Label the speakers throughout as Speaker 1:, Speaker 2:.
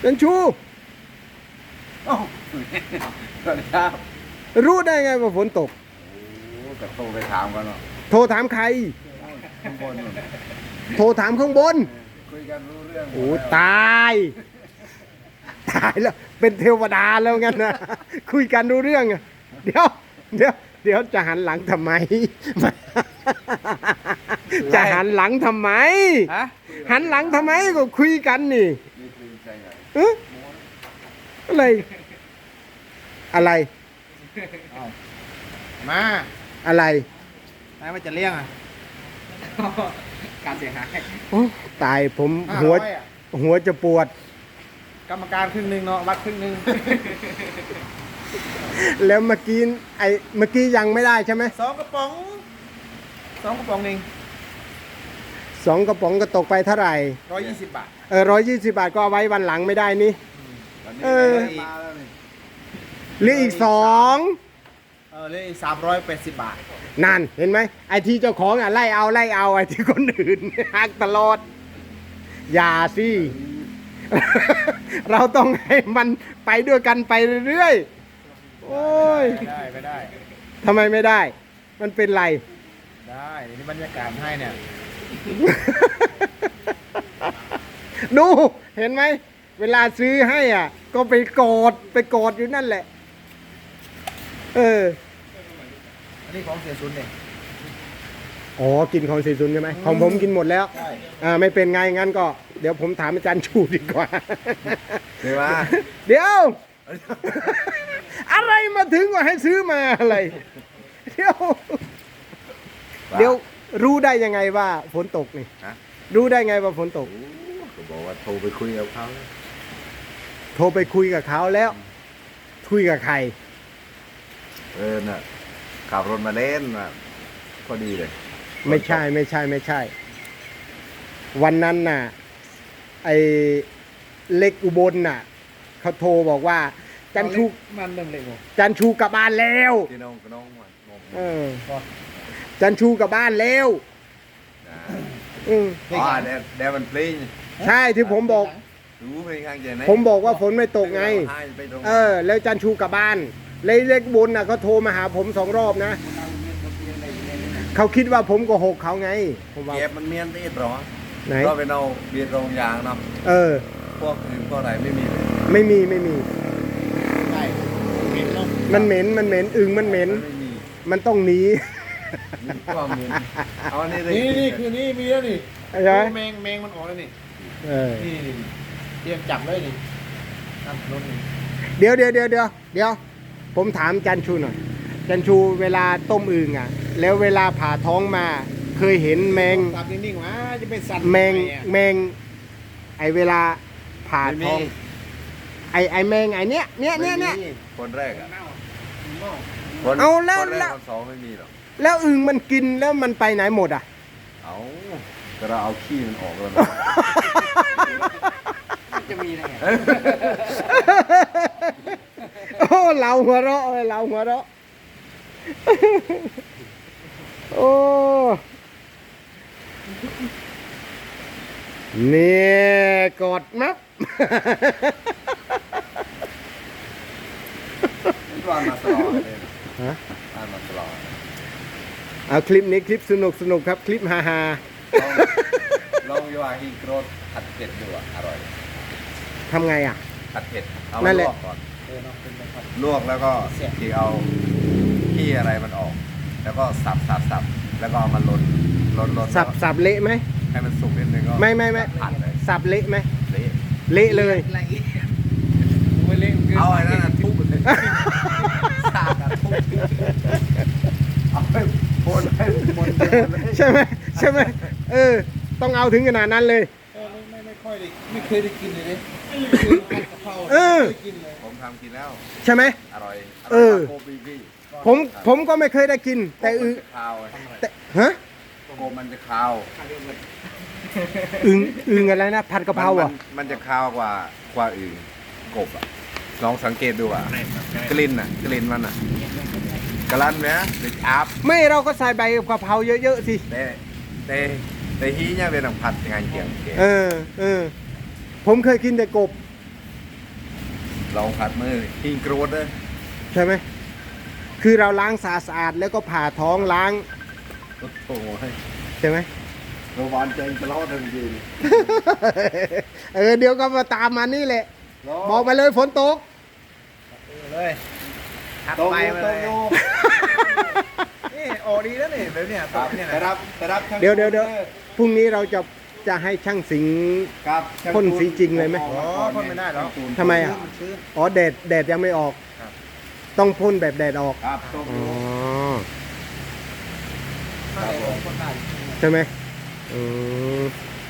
Speaker 1: จันชู
Speaker 2: โอ้สวัสดีครับ
Speaker 1: รู้ได้ไงว่าฝนตก
Speaker 2: โอ้กระโทรไปถามกันเนาะ
Speaker 1: โทรถามใคร
Speaker 2: ข้างบนนู่น
Speaker 1: โทรถามข้างบน
Speaker 2: คุยกันรู้เรื่องหมด
Speaker 1: โอ้
Speaker 2: แล้ว
Speaker 1: ตายตายแล้วเป็นเทวดาแล้วงั้นนะคุยกันรู้เรื่องอะเดี๋ยวจะหันหลังทำไม จะหันหลังทำไม
Speaker 2: ฮะ
Speaker 1: หันหลังทำไมก็คุยกันนี่
Speaker 2: นี่คือใจใหญ่
Speaker 1: เอ๊ะอะไรอะไร
Speaker 3: มา
Speaker 1: อะไร
Speaker 3: นายว่าจะเลี้ยงอ่ะ การเสียหาย
Speaker 1: โอ้ตายผม
Speaker 3: 500อะ
Speaker 1: หัวจะปวด
Speaker 3: กรรมการครึ่งหนึ่งเนาะวัดครึ่งหนึ่ง
Speaker 1: แล้วเมื่อกี้ยังไม่ได้ใช่ไหม
Speaker 3: สองกระป๋องสองกระป๋องเอง
Speaker 1: 2 กระป๋องก็ตกไปเท่าไหร่
Speaker 3: 120 บาท
Speaker 1: 120 บาทก็เอาไว้วันหลังไม่ได้นี่
Speaker 2: วันนี้
Speaker 1: เออ
Speaker 2: ได้มาแล้วนี่
Speaker 1: เหลืออีก
Speaker 3: เลย380 บาท
Speaker 1: 2นั่นเห็นไหมไอ้ที่เจ้าของไล่เอาไอ้ที่คนอื่น หักตลอด อย่าสิ เราต้องให้มันไปด้วยกันไปเรื่อยๆโอ้ย
Speaker 3: ไม่ได้
Speaker 1: ทำไมไม่ได้ มันเป็นไร
Speaker 3: ได้เดี๋ยวนี้บรรยากาศให้เนี่ย
Speaker 1: ดูเห็นไหมเวลาซื้อให้อ่ะ ก็ไปกอดอยู่นั่นแหละ เออ
Speaker 3: อันนี้ของเสียศูนย์เนี่ย
Speaker 1: อ๋อกินของสีซุนใช่ไหมของผมกินหมดแล้ว
Speaker 3: ใช่
Speaker 1: ไม่เป็นไงงั้นก็ เดี๋ยวผมถามอาจารย์ชูดีกว่า
Speaker 2: เดี๋ยวว่า
Speaker 1: เดี๋ยว อะไรมาถึงว่าให้ซื้อมาอะไร เดี๋ยวรู้ได้ยังไงว่าฝนตกนี่
Speaker 2: ฮะ
Speaker 1: รู้ได้ไงว่าฝนตก
Speaker 2: โอ้ก็บอกว่าโทรไปคุยกับเขา
Speaker 1: โทรไปคุยกับเขาแล้ว คุยกับใคร
Speaker 2: น่ะขับรถมาเล่นน่ะพอดีเลย
Speaker 1: ไม่ใช่ วันนั้นน่ะ ไอ้เล็กอุบลน่ะเขาโทรบอกว่า จันชู
Speaker 3: มันเริ่มเล็กหมด
Speaker 1: จันชูกลับบ้านแล้ว
Speaker 2: พี่น้องกับน้องมันงง
Speaker 1: เออจันชูกลับบ้านแล้ว
Speaker 2: นะ
Speaker 1: อืม
Speaker 2: อ๋อเดี๋ยวมันเพลง
Speaker 1: ใช่ที่ผมบอก
Speaker 2: รู้เพลงข้างใจไหน
Speaker 1: ผมบอกว่าฝนไม่ตกไง
Speaker 2: ให้ไปตรง
Speaker 1: แล้วจันชูกลับบ้านเลยเล็กบุญน่ะเขาโทรมาหาผม2 รอบนะ เขาคิดว่าผมโกหกเขาไง ผมว่า
Speaker 2: เก็บมันเมียนตีดหรอ
Speaker 1: ไหน
Speaker 2: ก็เป็นเอาเบียร์โรงยางเนาะ
Speaker 1: เออ
Speaker 2: พวกอื่นพวกอะไรไม่มีเลย
Speaker 1: ไม่มี
Speaker 3: ใช่เห็นเนาะ
Speaker 1: มันเหม็นอึงมันเหม็น
Speaker 2: ไม่มี
Speaker 1: มันต้องหนี
Speaker 2: มีความเหม็นเอาอันนี้เลย
Speaker 3: นี่คือนี่มีแล้วนี่
Speaker 1: ใช่ไหม
Speaker 3: แมงมันออกแล้วนี่
Speaker 1: เออ
Speaker 3: นี่เตรียมจับเลยนี่นั่นรถนี่
Speaker 1: เดี๋ยวผมถามจันชูหน่อยจันชูเวลาต้มอึงอ่ะ แล้วเวลาผ่าท้องมา เคยเห็นแมง
Speaker 3: ตับนิ่งๆวะจะเป็นสัตว์
Speaker 1: แมง
Speaker 3: ทำไอะ
Speaker 1: แมงไอเวลาผ่าท้อง ไอแมงไอเนี้ย
Speaker 2: ไม่มีคนแรกอ่ะคน
Speaker 1: เอาแล้ว
Speaker 2: คนแร
Speaker 1: แล้
Speaker 2: ก
Speaker 1: ว
Speaker 2: คนสองไม่มีหรอก
Speaker 1: แล้วอึงมันกินแล้วมันไปไหนหมดอ่ะ
Speaker 2: เอาแต่เราเอาขี้มันออกแล้วนะ
Speaker 3: จะมีได้ไง
Speaker 1: โอ้เราหัวเราะโอ้เนี่ยกดมับ
Speaker 2: ร้านมาตลอดเลย
Speaker 1: ฮะ
Speaker 2: ร้านมาตลอด
Speaker 1: เอาคลิปนี้คลิปสนุกครับ คลิปฮา
Speaker 2: ลองยาฮีโกรธผัดเผ็ดดูอ่ะอร่อย
Speaker 1: ๆทำไงอ่ะ
Speaker 2: ผัดเผ็ดเอา
Speaker 1: นั่
Speaker 2: มาน
Speaker 1: แห
Speaker 2: ล
Speaker 1: ละ
Speaker 2: วกก่อน
Speaker 3: เนาะเป็นแบบ
Speaker 2: ลวกแล้วก็
Speaker 3: เสียบ
Speaker 2: ที่เอาขี้อะไรมันออก แล้วก็สับแล้วก็เอามาลน
Speaker 1: สับเละไหม
Speaker 2: ให้มันสุกนิดนึงก็
Speaker 1: ไม่
Speaker 2: ผัดเลย
Speaker 1: สับเละไหม
Speaker 2: เละ
Speaker 1: เละเลย
Speaker 3: อะไรอีกไม่เล่น
Speaker 2: เอาไอ้นั่นน่ะทุบเลยสากอะทุบเอาไปโคนให้หมดเลย
Speaker 1: ใช่ไหมต้องเอาถึงขนาดนั้นเลย
Speaker 3: ไม่ค่อยได้ไม่เคยได้กินเลยเนี่ยไม่เคยผัดกะเพรา
Speaker 1: เออ
Speaker 3: ไม่เคยกินเลย
Speaker 2: ผมทำกินแล้ว
Speaker 1: ใช่ไหม
Speaker 2: อร่อย
Speaker 1: เออ
Speaker 2: โกบีบี้
Speaker 1: ผมก็ไม่เคยได้กิน แต่
Speaker 2: โกมันจะคาว
Speaker 1: แต่ฮะ
Speaker 2: โกมันจะคาว
Speaker 1: อึงอะไรนะผัดกะเพราอ่ะ
Speaker 2: มันจะคาวกว่าอื่นกบอ่ะลองสังเกตดูอ่ะกลิ่นมันอ่ะกระลันไหมหรืออาบ
Speaker 1: ไม่เราก็ใส่ใบกะเพราเยอะๆสิ
Speaker 2: แต่ฮีเนี่ยเป็นผัดงานเกี่ยง
Speaker 1: เออ ผมเคยกินแต่กบ
Speaker 2: ลองผัดมือหิ้งโกรธเลย
Speaker 1: ใช่ไหมคือเราล้างสะอาดๆแล้วก็ผ่าท้องล้าง
Speaker 2: โอ้โห
Speaker 1: ใช่ไหม
Speaker 2: เราหวานใจจะรอดทันที
Speaker 1: เดี๋ยวก็มาตามมานี่แหละบอกไปเลยฝนตก
Speaker 3: เลยทัก
Speaker 2: โต
Speaker 3: ไป
Speaker 2: โย
Speaker 3: มา
Speaker 2: โต
Speaker 3: เลย
Speaker 2: โย
Speaker 3: นี่ออกดีแล้วนี่แบบเนี้ย
Speaker 2: ครับ
Speaker 3: เนี่ย
Speaker 2: แต่
Speaker 3: นะ
Speaker 2: รับช่าง
Speaker 1: เดี๋ยวพรุ่งนี้เราจะให้ช่างสิงห์
Speaker 2: ครับช่าง
Speaker 1: พ่นสีจริงเลยไหม
Speaker 3: อ๋อพ่นไม่ได้หรอก
Speaker 1: ทำไมอ่ะ
Speaker 3: มันชื้น
Speaker 1: อ๋อแดดยังไม่ออก
Speaker 3: ครับ
Speaker 1: ต้องพ่นแบบแดดออก
Speaker 2: ครับโต
Speaker 1: อ๋
Speaker 2: โย
Speaker 1: อ
Speaker 3: ถ้าได้พ่นได้
Speaker 1: ใช่ไหมอืม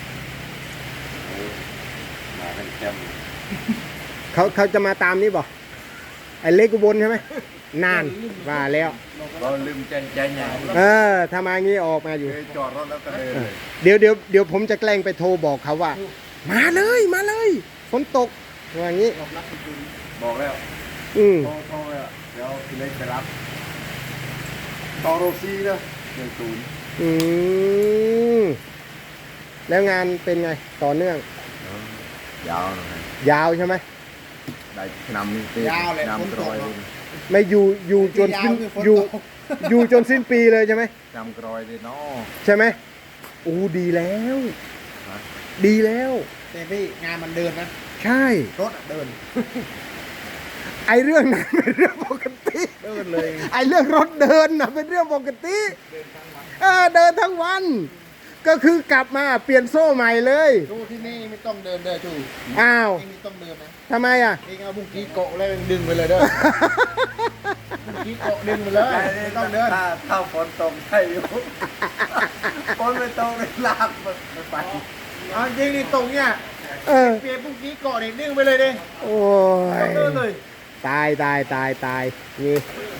Speaker 2: มาเป็นแคม
Speaker 1: เขาจะมาตามนี่บ่ไอ้เล็กอุบลใช่ไหมนานว่าแล้ว
Speaker 2: เราลืมใจใหญ่
Speaker 1: ถ้ามางี้ออกมาอยู่
Speaker 2: เคยจอดรถแล้วก็เดินเลย
Speaker 1: เดี๋ยวผมจะแกล้งไปโทรบอกเขาว่า มาเลยฝนตกว่างี้
Speaker 2: บอกแล้ว
Speaker 1: อืม
Speaker 2: โทรแล้วเดี๋ยวพี่เล็กไปรับต่อโรซี่เด้อ10
Speaker 1: อืมแล้วงานเป็นไงต่อเนื่อง
Speaker 2: ยาวหน่อย
Speaker 1: ยาวใช่ไหม
Speaker 2: ได้นำนี่เต้
Speaker 3: ยาวเลย
Speaker 2: นำกรอยเลย
Speaker 1: ไม่อยู่จนสิ้น
Speaker 3: ยาวคือฝนตก
Speaker 1: อยู่จนสิ้นปีเลยใช่ไหม
Speaker 2: นำกรอยเลยเนาะ
Speaker 1: ใช่ไหมอู้ดีแล้ว
Speaker 2: ฮะ
Speaker 1: ดีแล้ว
Speaker 3: แต่พี่งานมันเดินนะ
Speaker 1: ใช่
Speaker 3: รถอะเดิน
Speaker 1: ไอเรื่องนั้นเป็นเรื่องปกติ
Speaker 3: เดินเลย
Speaker 1: ไอเรื่องรถเดินนะเป็นเรื่องปกติเดินทั้งวัน ก็คือกลับมาเปลี่ยนโซ่ใหม่เลย
Speaker 3: ดูที่นี่ไม่ต้องเดินเด้อจู
Speaker 1: อ้าว
Speaker 3: นี่ไม่ต้องเดินนะ
Speaker 1: ทำไมอ่ะ
Speaker 3: เองเอาบุ้งกี้โกะแล้วดึงไปเลยเด้อบุ้งกี้โกะดึงไปเลยไม่ต้องเดิน
Speaker 2: ถ้าฝนตกใช่อยู่ ฝนไม่ตกเลยลากมันไป
Speaker 3: เอาจริงนี่ตรงเนี้ย
Speaker 1: เออ
Speaker 3: เปลี่ยนบุ้งกี้โกะนี่ดึงไปเลยดิ
Speaker 1: โอ้
Speaker 3: ไม่ต้องเดินเลย ย
Speaker 1: ตายนี่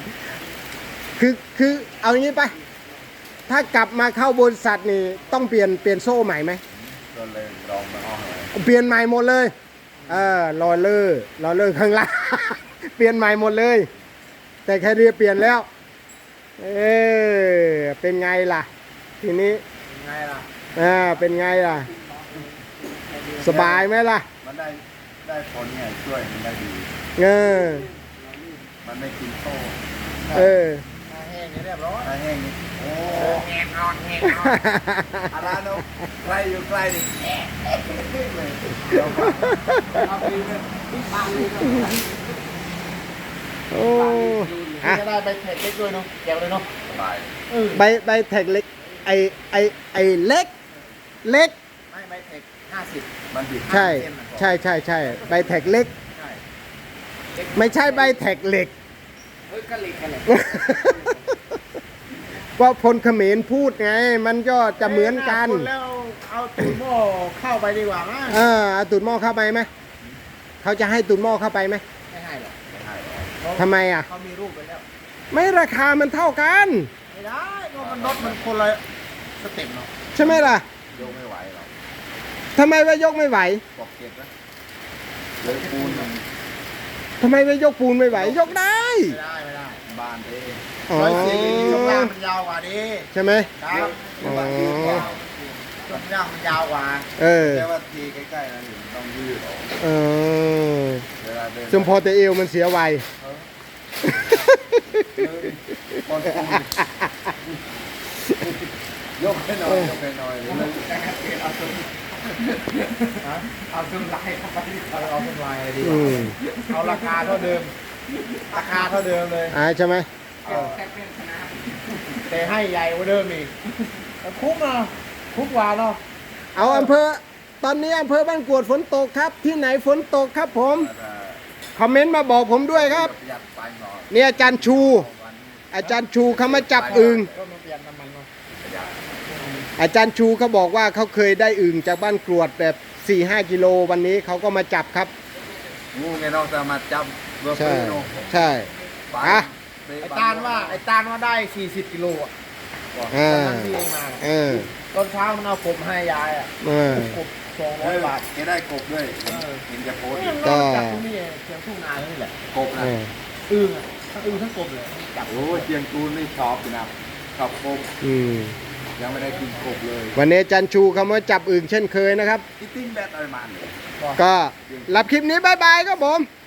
Speaker 1: คือเอาอย่างนี้ไป ถ้ากลับมาเข้าบริษัทนี่ต้องเปลี่ยนโซ่ใหม่ไหม
Speaker 2: ก็เลยลองมาห้องเลย
Speaker 1: เปลี่ยนใหม่หมดเลยรอเลอร์ข้างล่าง เปลี่ยนใหม่หมดเลย แต่แค่เรียเปลี่ยนแล้ว เป็นไงล่ะ ทีนี้
Speaker 3: ไงล่ะ
Speaker 1: เป็นไงล่ะ สบายไหมล่ะ
Speaker 2: มันได้ผลไงช่วยมันได้ดี
Speaker 1: เออ
Speaker 2: มันไม่กินโซ่
Speaker 1: เออ
Speaker 3: หน้าแห้งเนี่ยเรียบร้อย
Speaker 2: ถ้าแห้งนี่โอ้
Speaker 3: แห้งนอนแห้งนอน
Speaker 2: อาราโนใกล้อยู่ใกล้ดิเลยเอาไปเลย
Speaker 1: โอ้อะ
Speaker 3: จะได้ไปแท็กเล็กด้วยเนาะแกวเลยเนาะ
Speaker 2: สบาย
Speaker 1: ใบแท็กเล็ก ไอเล็ก
Speaker 3: ไม่ไปแท็ก50
Speaker 2: มันดิบ
Speaker 1: ใช่ใบแท็กเล็ก
Speaker 3: ใช่
Speaker 1: ไม่ใช่ใบแท็กเหล็ก
Speaker 3: ก็เล็กกันเลย
Speaker 1: ว่าพลเขมรพูดไง มันก็จะเหมือนกัน
Speaker 3: แล้วเอาตูดหม้อเข้าไปดีกว่ามั้ง
Speaker 1: เอาตูดหม้อเข้าไปไหม เขาจะให้ตูดหม้อเข้าไปไหม
Speaker 3: ไม่ให้หรอก
Speaker 2: ไม่ให้หรอก
Speaker 1: ทำไมอ่ะ
Speaker 3: เขามีรูปไปแล้ว
Speaker 1: ไม่ราคามันเท่ากัน
Speaker 3: ไม่ได้ก็มันรถมันคนละสเต็ปเนาะ
Speaker 1: ใช่ไหมล่ะ
Speaker 2: ยกไม่ไหวหรอก
Speaker 1: ทำไมว่ายกไม่ไหว
Speaker 2: ปอกเก็บนะเลยปูนมัน
Speaker 1: ทำไมว่ายกปูนไม่ไหว ยกได้
Speaker 3: ไม่ได้
Speaker 2: บานเด้
Speaker 1: อ๋อ
Speaker 3: ช่วงล่างมันยาวกว่าดิ
Speaker 1: ใช่ไหม
Speaker 3: ครับ
Speaker 2: เรียกว่ายืดเปล่า
Speaker 3: ช่วงล่างมันยาวกว่า
Speaker 2: แต่ว่าทีใกล้ๆนะถึงต้องยืดออก
Speaker 1: เออ
Speaker 2: เวลาเดิน
Speaker 1: จมพอแต่เอวมันเสียไว
Speaker 2: บอลปูนยกให้หน่อยยกให้หน่อยเลย
Speaker 3: เอาเครื่องลายเข้าไปเอาเครื่องลายอะไรดี
Speaker 1: อืม
Speaker 3: เอาราคาเท่าเดิม ราคาเท่าเดิมเลย
Speaker 1: ใช่ไหม
Speaker 3: แต่ให้ใหญ่กว่าเดิมอีกแต่คุ้มเนาะคุ้มกว่าเนาะ
Speaker 1: เอาอำเภอ ตอนนี้อำเภอบ้านกรวดฝนตกครับ ที่ไหนฝนตกครับผม คอมเมนต์มาบอกผมด้วยครับ
Speaker 2: ประหยัดไปหน่อย
Speaker 1: เนี่ยอาจารย์ชู อาจารย์ชูเขามาจับอึ่ง
Speaker 3: ก็มาเปลี่ยนน้ำมันเนาะ
Speaker 2: ประหยัด
Speaker 1: อาจารย์ชูเขาบอกว่าเขาเคยได้อึ่งจากบ้านกรวดแบบ 4-5 กิโลวันนี้เขาก็มาจับครับ
Speaker 2: งูไงน้องจะมาจับเบอร์
Speaker 1: ใช่
Speaker 2: เฟโน
Speaker 1: ใช่
Speaker 2: ไป
Speaker 1: อ่ะ
Speaker 3: ไอ้ตาลว่าได้ 40 กิโลอ่ะ
Speaker 1: อ่า
Speaker 3: ตอนนั้นที่เองมา
Speaker 1: เออ
Speaker 3: ตอนเช้ามันเอากบให้ยายอ่ะ
Speaker 1: เออ
Speaker 3: กบ200 บาท
Speaker 2: แกได้กบด้วยเห็นจะโพสต์
Speaker 3: เนี่ยมันเอาจากที่นี่เชียงทุ่งนานี่แหละ
Speaker 2: กบ
Speaker 1: เอ
Speaker 2: นะ
Speaker 1: อ
Speaker 3: อึ่งอ่ะทั้งอึ่งทั้งกบเลยจับ
Speaker 2: โอ้ยเชียงตูนนี่ชอบอยู่นะชอบกบ
Speaker 1: อืม
Speaker 2: ยังไม่ได้กินกบเลย
Speaker 1: วันนี้อาจารย์ชูเขามาจับอึ่งเช่นเคยนะครับ
Speaker 2: อีติ้งแบตอะไรมาเนี่ย
Speaker 1: ก็รับคลิปนี้บายบายครับผม